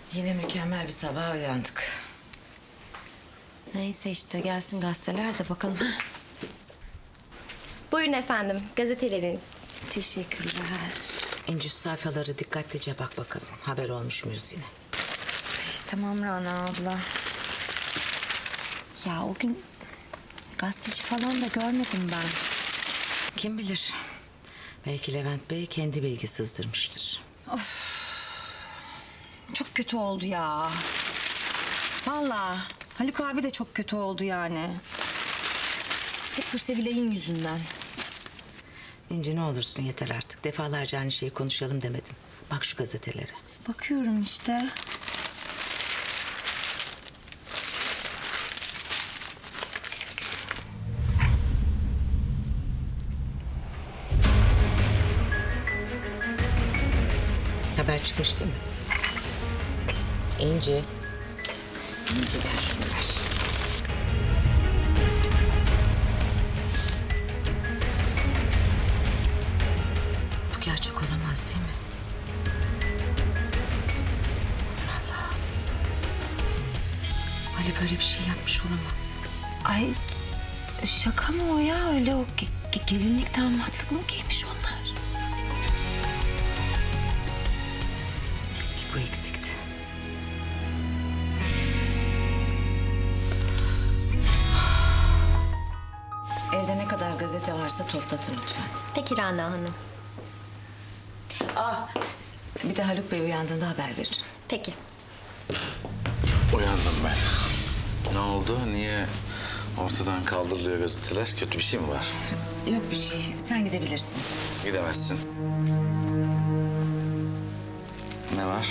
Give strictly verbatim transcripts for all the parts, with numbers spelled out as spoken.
Yine mükemmel bir sabah uyandık. Neyse işte gelsin gazeteler de bakalım. Buyurun efendim, gazeteleriniz. Teşekkürler. İnci sayfaları dikkatlice bak bakalım. Haber olmuş muyuz yine? Ay, tamam Rana abla. Ya o gün gazeteci falan da görmedim ben. Kim bilir? Belki Levent Bey kendi bilgi sızdırmıştır. Çok kötü oldu ya. Vallahi Haluk abi de çok kötü oldu yani. Hep bu Sevilay'ın yüzünden. İnci ne olursun yeter artık. Defalarca aynı şeyi konuşalım demedim. Bak şu gazetelere. Bakıyorum işte. Haber çıkmış değil mi? İnci. İnci ver şunu ver. Bu gerçek olamaz değil mi? Allah. Ali böyle bir şey yapmış olamaz. Ay şaka mı o ya? Öyle o ge- ge- gelinlik damatlık mı giymiş onlar? Bir bu eksikti. Evde ne kadar gazete varsa toplatın lütfen. Peki Rana Hanım. Ah, bir de Haluk Bey uyandığında haber verin. Peki. Uyandım ben. Ne oldu? Niye ortadan kaldırılıyor gazeteler? Kötü bir şey mi var? Yok bir şey, sen gidebilirsin. Gidemezsin. Ne var?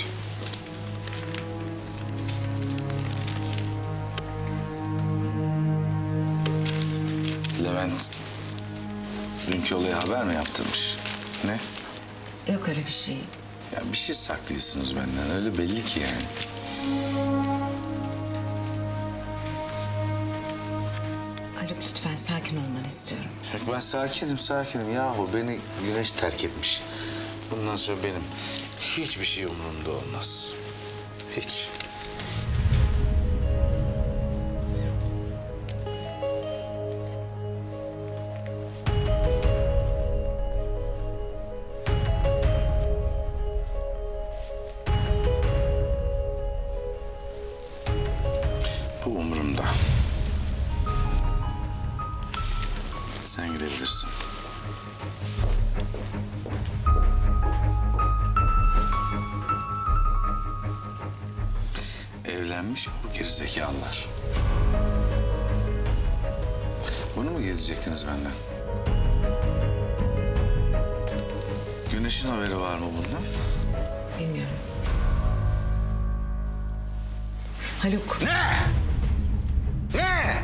Levent dünkü olaya haber mi yaptırmış? Ne? Yok öyle bir şey. Ya bir şey saklıyorsunuz benden. Öyle belli ki yani. Haluk lütfen sakin olmanı istiyorum. Yok ben sakinim sakinim. Yahu beni güneş terk etmiş. Bundan sonra benim hiçbir şey umurumda olmaz. Hiç. Bu umurumda. Sen gidebilirsin. Evlenmiş mi bu gerizekalılar? Bunu mu gizleyecektiniz benden? Güneş'in haberi var mı bundan? Bilmiyorum. Haluk. Ne? Ne?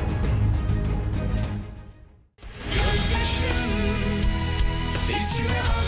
Gözyaşım içime